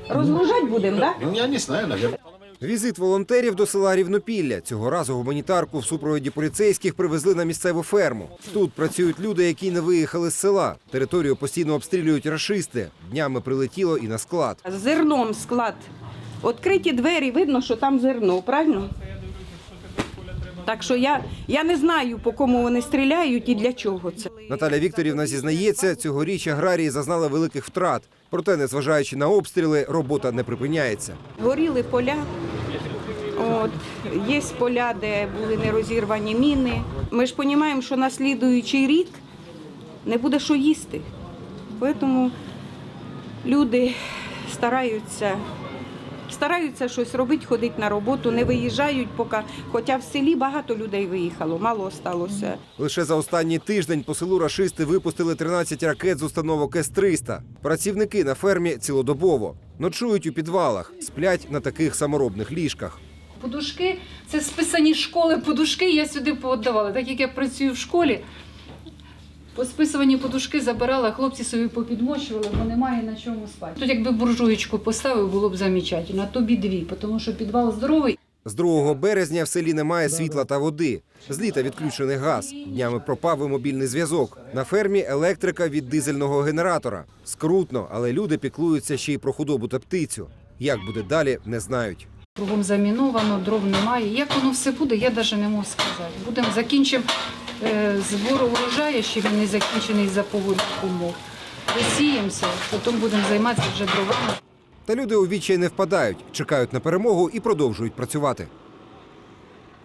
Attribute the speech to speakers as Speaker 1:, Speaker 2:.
Speaker 1: Розгружати будемо, так?
Speaker 2: Ну, я не знаю, наверное.
Speaker 3: Візит волонтерів до села Рівнопілля. Цього разу гуманітарку в супроводі поліцейських привезли на місцеву ферму. Тут працюють люди, які не виїхали з села. Територію постійно обстрілюють рашисти. Днями прилетіло і на склад.
Speaker 1: З зерном склад. Відкриті двері, видно, що там зерно, правильно? Так що я не знаю, по кому вони стріляють і для чого це.
Speaker 3: Наталя Вікторівна зізнається, цьогоріч аграрії зазнали великих втрат. Проте, незважаючи на обстріли, робота не припиняється.
Speaker 1: Горіли поля. От, є поля, де були нерозірвані міни. Ми ж розуміємо, що на слідуючий рік не буде що їсти. Тому люди стараються щось робити, ходити на роботу, не виїжджають поки. Хоча в селі багато людей виїхало, мало залишилося.
Speaker 3: Лише за останній тиждень по селу рашисти випустили 13 ракет з установок С-300. Працівники на фермі цілодобово. Ночують у підвалах, сплять на таких саморобних ліжках.
Speaker 4: Подушки – це списані школи подушки, я сюди пооддавала. Так як я працюю в школі, посписувані подушки забирала, хлопці собі попідмочували, бо немає на чому спати. Тут якби буржуєчку поставив, було б замечательно, а тобі дві, тому що підвал здоровий.
Speaker 3: З 2 березня в селі немає світла та води. З літа відключений газ. Днями пропав і мобільний зв'язок. На фермі електрика від дизельного генератора. Скрутно, але люди піклуються ще й про худобу та птицю. Як буде далі, не знають.
Speaker 4: Кругом заміновано, дров немає. Як воно все буде, я навіть не можу сказати. Закінчимо збор урожаю, ще він не закінчений за погодних умов. Висіємося, потім будемо займатися вже дровами.
Speaker 3: Та люди у відчай не впадають, чекають на перемогу і продовжують працювати.